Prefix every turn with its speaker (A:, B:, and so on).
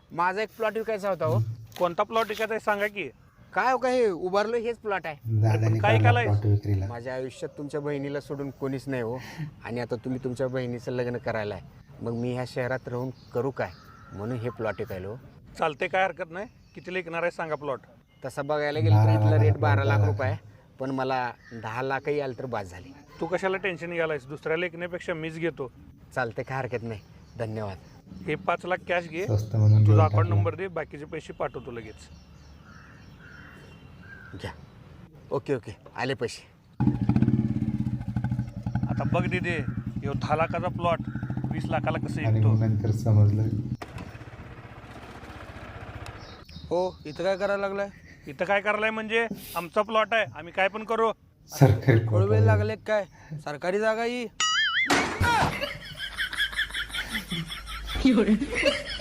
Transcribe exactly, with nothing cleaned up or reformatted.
A: माझा एक प्लॉट विकायचा होता हो.
B: कोणता प्लॉट विकायचा आहे सांगा की.
A: काय हो काय हे उभारलं हेच प्लॉट आहे.
C: दादाने
B: काय
C: काढला
B: केलंय?
C: plot विक्रीला.
A: माझ्या आयुष्यात तुमच्या बहिणीला सोडून कोणीच नाही हो. आणि आता तुम्ही तुमच्या बहिणीचं लग्न करायला आहे, मग मी ह्या शहरात राहून करू काय, म्हणून हे प्लॉट विकायलो.
B: चालते, काय हरकत नाही. किती विकणार आहे सांगा प्लॉट.
A: तसं बघायला गेलं तर
C: बारा
A: इथला रेट
C: लाखाला
A: बारा लाख
C: plot
A: रुपये आहे, पण मला दहा लाखही आलं तर बाद झाली.
B: तू कशाला टेन्शन घ्यायलायस, दुसऱ्याला विकण्यापेक्षा मीच घेतो.
A: चालते, काय हरकत नाही. धन्यवाद.
B: हे पाच लाख कॅश घे,
C: स्वस्त म्हणून
B: तुझा
C: देऊन
B: अकाउंट
C: टाकला.
B: नंबर दे, बाकीचे पैसे पाठवतो लगेच.
A: घ्या. ओके ओके, आले पैसे.
B: आता बघ दिदे, ह्यो दहा लाखाचा प्लॉट वीस लाखाला कसं
C: आणि
B: विकतो.
C: मग नंतर समजलं
D: हो, इथं काय करायला लागलाय?
B: इथं काय करायलाय म्हणजे आमचा प्लॉट आहे, आम्ही काय पण करू.
C: सरकारी
D: कोळवे
C: कोटा.
D: लागले काय? सरकारी जागा ही